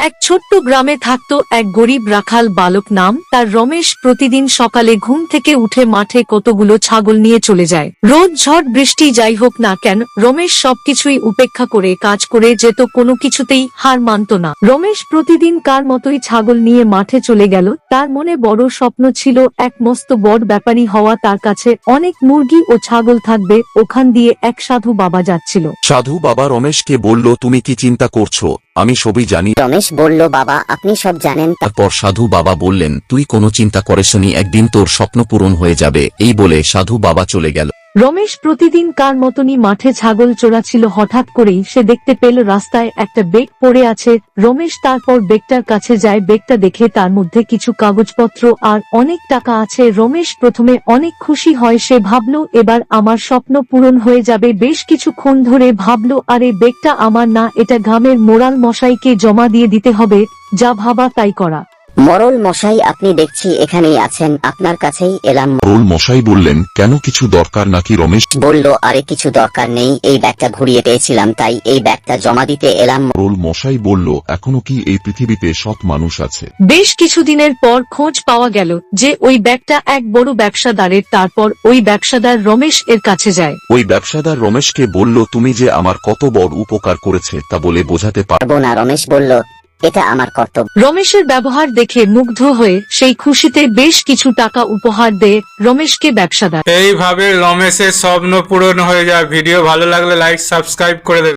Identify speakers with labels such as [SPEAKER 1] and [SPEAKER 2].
[SPEAKER 1] এক ছোট্ট গ্রামে থাকতো এক গরিব রাখাল বালক নাম তার রমেশ। প্রতিদিন সকালে ঘুম থেকে উঠে মাঠে কতগুলো ছাগল নিয়ে চলে যায়। রোদ ঝড় বৃষ্টি যাই হোক না কেন রমেশ সবকিছুই উপেক্ষা করে কাজ করে যেত, কোনো কিছুতেই হার মানত না। রমেশ প্রতিদিন কার মতোই ছাগল নিয়ে মাঠে চলে গেল। তার মনে বড় স্বপ্ন ছিল, এক মস্ত বড় ব্যাপারী হওয়া। তার কাছে অনেক মুরগি ও ছাগল থাকবে। ওখান দিয়ে এক সাধু বাবা যাচ্ছিল।
[SPEAKER 2] সাধু বাবা রমেশকে বলল, তুমি কি চিন্তা করছো? আমি সবই জানি।
[SPEAKER 3] রমেশ বলল, বাবা আপনি সব জানেন।
[SPEAKER 2] তারপর সাধু বাবা বললেন, তুই কোনো চিন্তা করিসনি, একদিন তোর স্বপ্ন পূরণ হয়ে যাবে। এই বলে সাধু বাবা চলে গেল।
[SPEAKER 1] রমেশ প্রতিদিন কার মতনই মাঠে ছাগল চড়াচ্ছিল। হঠাৎ করেই সে দেখতে পেল রাস্তায় একটা বেগ পড়ে আছে। রমেশ তারপর বেগটার কাছে যায়। বেগটা দেখে তার মধ্যে কিছু কাগজপত্র আর অনেক টাকা আছে। রমেশ প্রথমে অনেক খুশি হয়। সে ভাবল, এবার আমার স্বপ্ন পূরণ হয়ে যাবে। বেশ কিছুক্ষণ ধরে ভাবল, আরে বেগটা আমার না, এটা গ্রামের মোড়াল মশাইকে জমা দিয়ে দিতে হবে। যা ভাবা তাই করা।
[SPEAKER 3] মরল মশাই, আপনি দেখছি এখানেই আছেন, আপনার কাছেই এলাম।
[SPEAKER 2] মোড়ল মশাই বললেন, কেন, কিছু দরকার নাকি? রমেশ
[SPEAKER 3] বলল, আরে কিছু দরকার নেই, এই ব্যাগটা ঘুরিয়ে পেয়েছিলাম তাই এই ব্যাগটা জমা দিতে এলাম।
[SPEAKER 2] মোড়ল মশাই বলল, এখনো কি এই পৃথিবীতে সৎ মানুষ আছে?
[SPEAKER 1] বেশ কিছুদিনের পর খোঁজ পাওয়া গেল যে ওই ব্যাগটা এক বড় ব্যবসাদারের। তারপর ওই ব্যবসাদার রমেশ এর কাছে যায়।
[SPEAKER 2] ওই ব্যবসাদার রমেশকে বলল, তুমি যে আমার কত বড় উপকার করেছে তা বলে বোঝাতে পারবো
[SPEAKER 3] না। রমেশ বলল, এটা আমার কর্তব্য।
[SPEAKER 1] রমেশের ব্যবহার দেখে মুগ্ধ হয়ে সেই খুশিতে বেশ কিছু টাকা উপহার দেয় রমেশকে ব্যবসাদার।
[SPEAKER 4] এইভাবে রমেশের স্বপ্ন পূরণ হয়ে যায়। ভিডিও ভালো লাগলে লাইক সাবস্ক্রাইব করে দেবে।